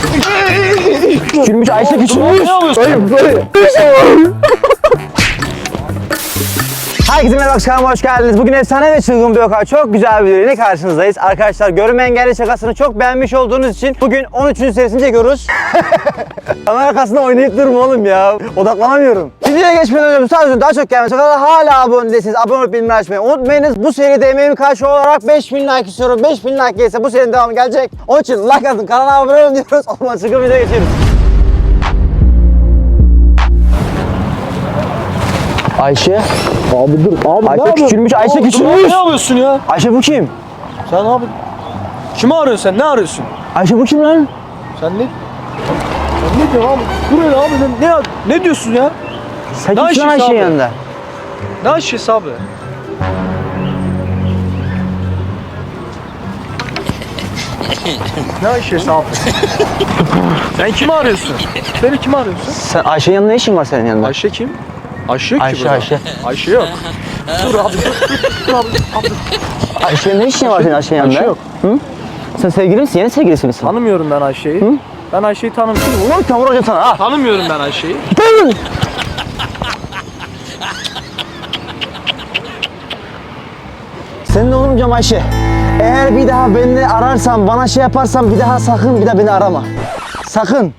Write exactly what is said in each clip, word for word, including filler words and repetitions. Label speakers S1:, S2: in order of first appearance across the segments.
S1: Küçülmüş Ayşe küçülmüş. Dayım dayım. Herkese merhaba, kanalıma hoş geldiniz. Bugün efsane ve çılgın bir vaka, çok güzel bir videoyla karşınızdayız. Arkadaşlar, görünme engelli şakasını çok beğenmiş olduğunuz için bugün on üçüncü serisini çekiyoruz. Kamera arkasında oynayıp durma oğlum ya. Odaklanamıyorum. Videoya geçmeden önce bu tarz videoların daha çok gelmesi kadar hala abone değilseniz abone olup bildirimleri açmayı unutmayınız. Bu seride emeğimin karşılığı olarak beş bin like istiyorum. beş bin like gelirse bu serinin devamı gelecek. Onun için like atın, kanala abone olun diyoruz. O zaman çılgın videoya geçelim. Ayşe.
S2: Abi dur abi
S1: Ayşe
S2: ne
S1: küçülmüş, Ayşe
S2: Abi,
S1: küçülmüş.
S2: Ne yapıyorsun ya?
S1: Ayşe bu kim?
S2: Sen abi kimi arıyorsun sen? Ne arıyorsun?
S1: Ayşe bu kim lan?
S2: Sen ne? Sen ne diyorsun abi? Dur öyle abi ne, ne, ne diyorsun ya?
S1: Sen
S2: Ne
S1: kimsin
S2: Ayşe'si
S1: Ayşe'nin
S2: abi?
S1: yanında?
S2: Ne Ayşe'si abi? Ne Ayşe'si abi? Sen kimi arıyorsun? Beni kimi arıyorsun?
S1: Sen Ayşe'nin yanında ne işin var senin yanında?
S2: Ayşe kim? Ayşe yok ki
S1: Ayşe,
S2: burada.
S1: Ayşe.
S2: Ayşe yok. Dur abi dur, dur, dur abi, abi.
S1: Ayşe'nin ne işin var senin Ayşe'nin yanında?
S2: Ayşe yok.
S1: Hı? Sen sevgili misin? Yeni sevgilisi misin?
S2: Tanımıyorum ben Ayşe'yi.
S1: Hı?
S2: Ben Ayşe'yi tanımıyorum.
S1: Ulan tavır hocam sana ha.
S2: Tanımıyorum ben Ayşe'yi.
S1: Senin olmayacağım Ayşe. Eğer bir daha beni ararsan, bana şey yaparsan bir daha sakın bir daha beni arama. Sakın.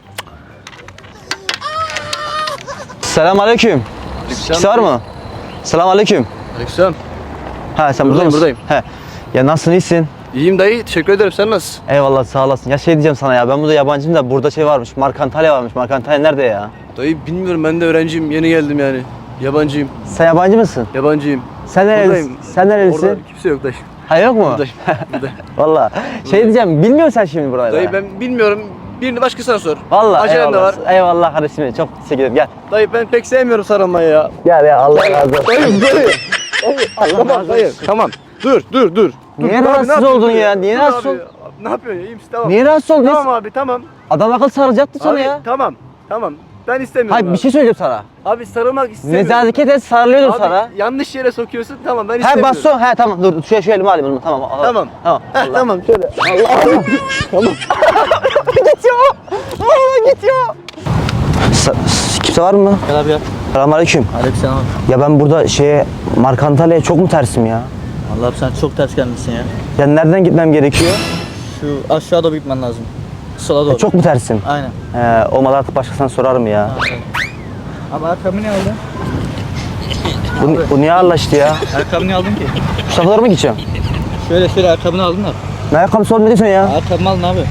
S1: Selamünaleyküm. Kimse var mı? Selamünaleyküm.
S3: Aleyküm.
S1: Ha sen burada
S3: Buradayım,
S1: mısın?
S3: buradayım.
S1: He. Ya nasılsın, iyisin?
S3: İyiyim dayı, teşekkür ederim. Sen nasılsın?
S1: Eyvallah, sağ olasın. Ya şey diyeceğim sana ya, ben burada yabancıyım da burada şey varmış, Mark Antalya varmış. Mark Antalya nerede ya?
S3: Dayı bilmiyorum, ben de öğrenciyim, yeni geldim yani. Yabancıyım,
S1: Sen yabancı mısın?
S3: yabancıyım.
S1: Sen nerelisin?
S3: Buradayım.
S1: Sen nerelisin?
S3: Orada kimse yok dayı.
S1: Ha yok mu?
S3: Buradayım, buradayım.
S1: Valla. Şey diyeceğim, bilmiyorsun sen şimdi buraları.
S3: Dayı ben bilmiyorum, birini başkasına sor.
S1: Valla
S3: Acelem de
S1: eyvallah.
S3: var.
S1: Eyvallah kardeşim, çok teşekkür ederim. Gel.
S3: Dayı ben pek sevmiyorum sarılmayı ya.
S1: Gel ya, Allah razı olsun.
S3: Dayı, dayı.
S1: Allah
S3: Tamam
S1: razı
S3: dayı,
S1: olsun.
S3: tamam. Dur, dur, dur.
S1: Niye
S3: Dur, abi,
S1: rahatsız
S3: ne yapıyorsun
S1: oldun
S3: dur
S1: ya? Niye
S3: Dur
S1: rahatsız
S3: abi,
S1: oldun?
S3: Ne yapıyorsun ya? İyi misin? Tamam.
S1: Niye rahatsız oldun?
S3: Tamam abi, tamam.
S1: Adam akıl saracaktı sana
S3: Abi,
S1: ya.
S3: tamam, tamam. Ben istemiyorum
S1: Hayır
S3: abi.
S1: bir şey söyleyeceğim sana.
S3: Abi sarılmak istemiyorum.
S1: Nezaket et, sarılıyordum
S3: Abi
S1: sana.
S3: yanlış yere sokuyorsun, tamam ben
S1: He
S3: istemiyorum.
S1: basso, he tamam dur şu, şu elimi alayım onu, tamam. al-
S3: Tamam.
S1: Tamam.
S3: Heh,
S1: Allah.
S3: tamam şöyle.
S1: Tamam. Git ya. Aa, git ya. Sa- kimse var mı?
S2: Gel abi gel.
S1: Selamünaleyküm.
S2: Aleykümselam abi.
S1: Ya ben burada şeye Mark Antalya'ya çok mu tersim ya?
S4: Allah'ım sen çok ters gelmişsin ya.
S1: Ya nereden gitmem gerekiyor?
S4: Şu aşağı doğru gitmen lazım. Sola doğru.
S1: Ya çok mu tersim?
S4: Aynen.
S1: He, olmadı artık başkasına sorarım ya.
S4: Abi ayakkabı ne aldın?
S1: Bu, bu niye ağırlaştı ya?
S4: Ayakkabı ne aldın ki?
S1: Şu tarafalara mı gideceğim?
S4: Şöyle şöyle ayakkabını aldın da.
S1: Ne ayakkabısı oğlum, ne diyorsun ya?
S4: Ayakkabımı aldın abi.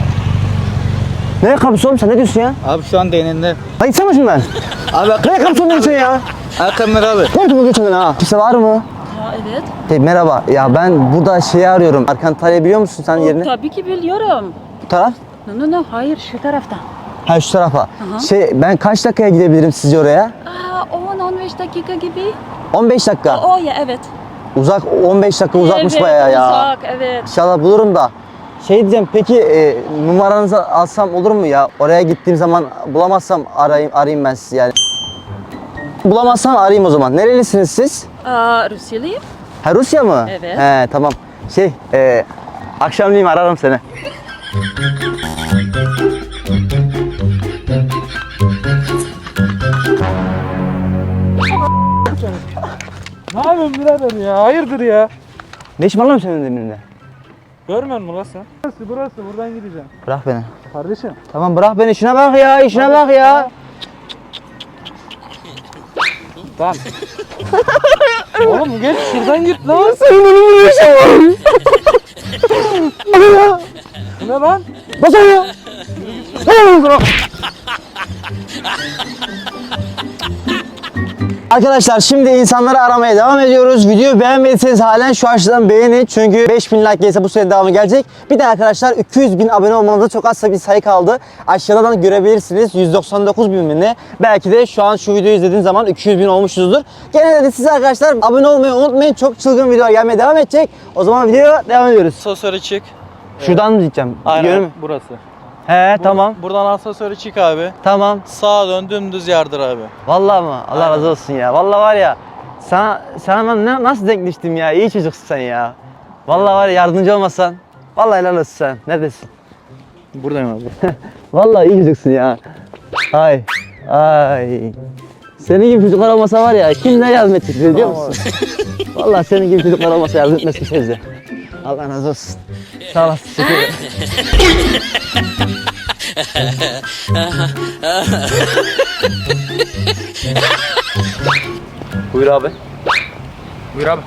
S1: Ne ayakkabısı oğlum, sen ne diyorsun ya?
S4: Abi şu an değneğinde.
S1: Lan gitsene şundan.
S4: Abi
S1: Ne ayakkabısı oğlum, ne diyorsun ya?
S4: ayakkabımı ver abi.
S1: Ne yaptın bu geçen ha? Kimse var mı?
S5: Ha, evet.
S1: Hey, merhaba. Ya ben burada şeyi arıyorum. Mark Antalya biliyor musun sen yerini?
S5: Tabii ki biliyorum.
S1: Bu taraf?
S5: No no no hayır şu taraftan.
S1: Ha şu tarafa.
S5: Aha.
S1: Şey ben kaç dakikaya gidebilirim sizce oraya?
S5: Aa on on beş dakika gibi.
S1: on beş dakika.
S5: O ya evet.
S1: Uzak, on beş dakika uzakmış
S5: evet,
S1: bayağı ya.
S5: Uzak evet.
S1: İnşallah bulurum da. Şey diyeceğim, peki e, numaranızı alsam olur mu ya? Oraya gittiğim zaman bulamazsam arayayım, arayayım ben sizi yani. Bulamazsam arayayım o zaman. Nerelisiniz siz?
S5: Aa Rusyalıyım.
S1: Ha Rusya mı?
S5: Evet.
S1: He tamam. Şey e, akşamleyin ararım seni.
S2: Ne yapıyorsun birader ya? Hayırdır ya?
S1: Ne işin var lan senin elimde?
S2: Görmüyor musun lan sen? Burası burası buradan gideceğim.
S1: Bırak beni.
S2: Kardeşim.
S1: Tamam bırak beni, işine bak ya, işine bak ya.
S2: Tamam. Oğlum geç şuradan git lan.
S1: Senin önümde bir şey var.
S2: Bu ne lan?
S1: Nasıl ya? Arkadaşlar şimdi insanları aramaya devam ediyoruz. Videoyu beğenmediyseniz halen şu aşağıdan beğenin. Çünkü beş bin like gelirse bu sene devamı gelecek. Bir de arkadaşlar iki yüz bin abone olmanıza çok az bir sayı kaldı. Aşağıdan görebilirsiniz. yüz doksan dokuz bin mi ne? Belki de şu an şu videoyu izlediğiniz zaman iki yüz bin olmuşuzdur. Gene de size arkadaşlar abone olmayı unutmayın. Çok çılgın videolar gelmeye devam edecek. O zaman videoya devam ediyoruz.
S6: Asansöre çık.
S1: Şuradan mı gideceğim?
S6: Aynen
S1: Görüyor musun?
S6: burası.
S1: He tamam.
S6: Buradan asansöre çık abi.
S1: Tamam.
S6: Sağa dön dümdüz yardır abi.
S1: Vallahi mı? Allah
S6: Aynen.
S1: razı olsun ya. Vallahi var ya. Sana, sana ben ne, nasıl denkleştim ya? İyi çocuksun sen ya. Vallahi var ya, yardımcı olmasan. Vallahi helal olsun sen. Neredesin?
S6: Buradayım abi.
S1: Vallahi iyi çocuksun ya. Ay. Ay. Senin gibi çocuklar olmasa var ya kim ne yardım edecek biliyor musun? Vallahi senin gibi çocuklar olmasa yardım etmez kimse bize. Allah razı olsun. Sağ olasın. Teşekkür ederim.
S3: Buyur abi.
S2: Buyur abi.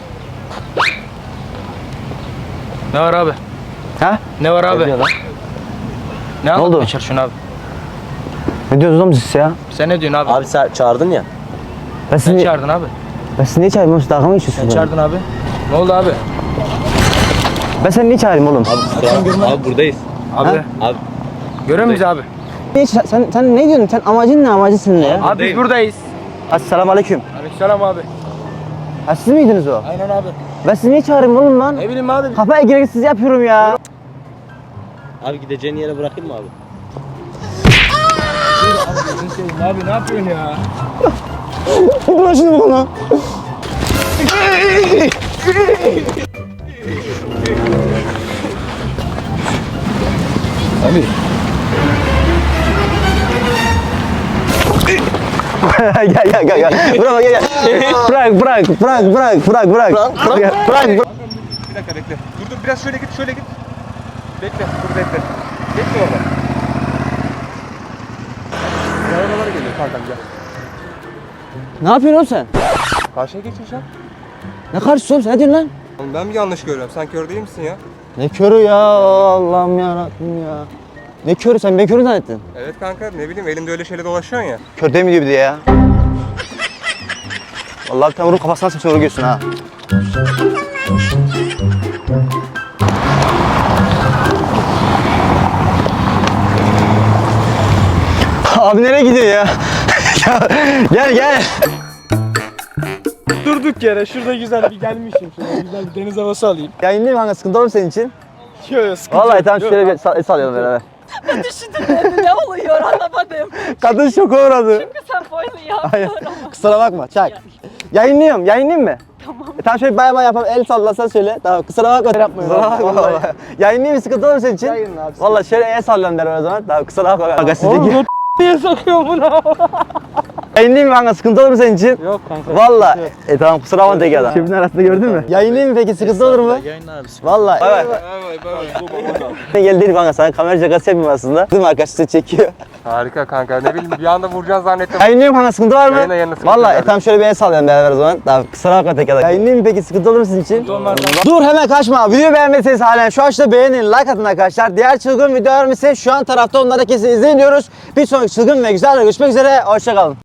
S2: Ne var abi?
S1: Ha?
S2: Ne var abi? Ne
S1: oldu?
S2: oldu? Şunu abi.
S1: Ne diyorsunuz oğlum siz ya?
S2: Sen ne diyorsun abi?
S3: Abi sen çağırdın ya.
S1: Ben sizi,
S2: Sen
S1: niye,
S2: çağırdın abi.
S1: ben sizi niye çağırayım oğlum? Siz dalga mı geçiyorsunuz?
S2: Sen
S1: benimle?
S2: çağırdın abi. Ne oldu abi?
S1: Ben seni niye çağırayım oğlum?
S3: Abi buradayız.
S2: Abi.
S3: Abi.
S2: Görüyor muyuz abi?
S1: Niye ça- sen, sen ne diyorsun? Sen amacın ne? Amacın senin ne ya?
S2: Abi biz buradayız.
S1: Assalamu aleyküm.
S2: Aleykümselam abi.
S1: Ha siz miydiniz o?
S2: Aynen abi.
S1: Ben sizi niye çağırayım oğlum lan?
S2: Ne bileyim abi.
S1: Kafaya gereksiz yapıyorum ya.
S3: Abi gideceğin yere bırakayım mı abi?
S2: Abi ne yapıyorsun ya?
S1: Bırak şunu bana.
S2: Abi.
S1: gel gel gel gel. Bırak gel gel. Bırak bırak bırak bırak bırak bırak. Bırak bırak.
S2: Bir dakika bekle. Dur dur biraz şöyle git şöyle git. Bekle dur bekle. Bekle orada. Arabalara geliyor kankam gel.
S1: Ne yapıyorsun oğlum sen?
S2: Karşıya geçeceğim.
S1: Ne karşısın oğlum sen? Ne diyorsun lan?
S7: Oğlum ben mi yanlış görüyorum? Sen kör değil misin ya?
S1: Ne körü ya Allah'ım yarabbim ya. Ne körü sen beni körü zannettin.
S7: Evet kanka ne bileyim elimde öyle şeyle dolaşıyorsun ya.
S1: Kör değil mi diyor bir de ya. Vallahi bir tane vurup kafasına sıçra vuruyorsun ha. Abi nereye gidiyor ya? Ya, gel gel.
S2: Durduk yere şurada güzel bir gelmişim. Şurada güzel bir deniz havası alayım.
S1: Yayınlayayım kanka sıkıntı olur mu senin için?
S2: Yok yok sıkıntı
S1: Vallahi
S2: yok.
S1: tamam
S2: Yok,
S1: şöyle bir sal- el sallayalım beraber.
S5: Düşündüm ne oluyor anlamadım.
S1: Kadın şoka uğradı.
S5: Çünkü sen böyle
S1: Hayır.
S5: yaptın ama.
S1: Kusura bakma çak. Yayınlıyorum yayınlayayım mı? Tamam. E, tamam şöyle bay bay yapalım el sallasan söyle. Tamam kusura bakma. Yapmayın. Kusura bakma vallahi. Yayınlayayım mı sıkıntı olur mu senin için?
S2: Yayınla abi.
S1: Vallahi şöyle el sallayalım beraber o zaman. Tamam kusura bakma. Kanka sizdeki.
S2: Oğlum niye sokuyor bunu?
S1: Yayınlayayım mı kanka sıkıntı olur mu senin için?
S2: Yok kanka.
S1: Vallahi. E tamam kusura bakma tek adam. Çöpün arasında gördün mü? Yayınlayayım mı peki sıkıntı olur mu?
S3: Yayınla abi.
S1: Vallahi. Bay bay. Ben gel dedim kanka sana kamera şakası yapayım aslında. Değil mi arkadaşlar sizi çekiyor.
S7: Harika kanka ne bileyim bir anda vuracaksın zannettim.
S1: Yayınlayayım kanka sıkıntı var mı?
S7: Yayınla, yayınla, sıkıntı
S1: Vallahi
S7: yok.
S1: e tamam şöyle bir el sallayalım beraber o zaman. Tamam kusura bakma tek adam. Yayınlayayım mı peki sıkıntı olur mu sizin için?
S2: olmaz.
S1: Dur hemen kaçma. Videoyu beğenmediyseniz halen şu aşağıda beğenin, like atın arkadaşlar. Diğer çılgın videolarım ise şu an tarafta onları kesin izleyin diyoruz. Bir sonraki çılgın ve güzel görüşmek üzere. Hoşçakalın.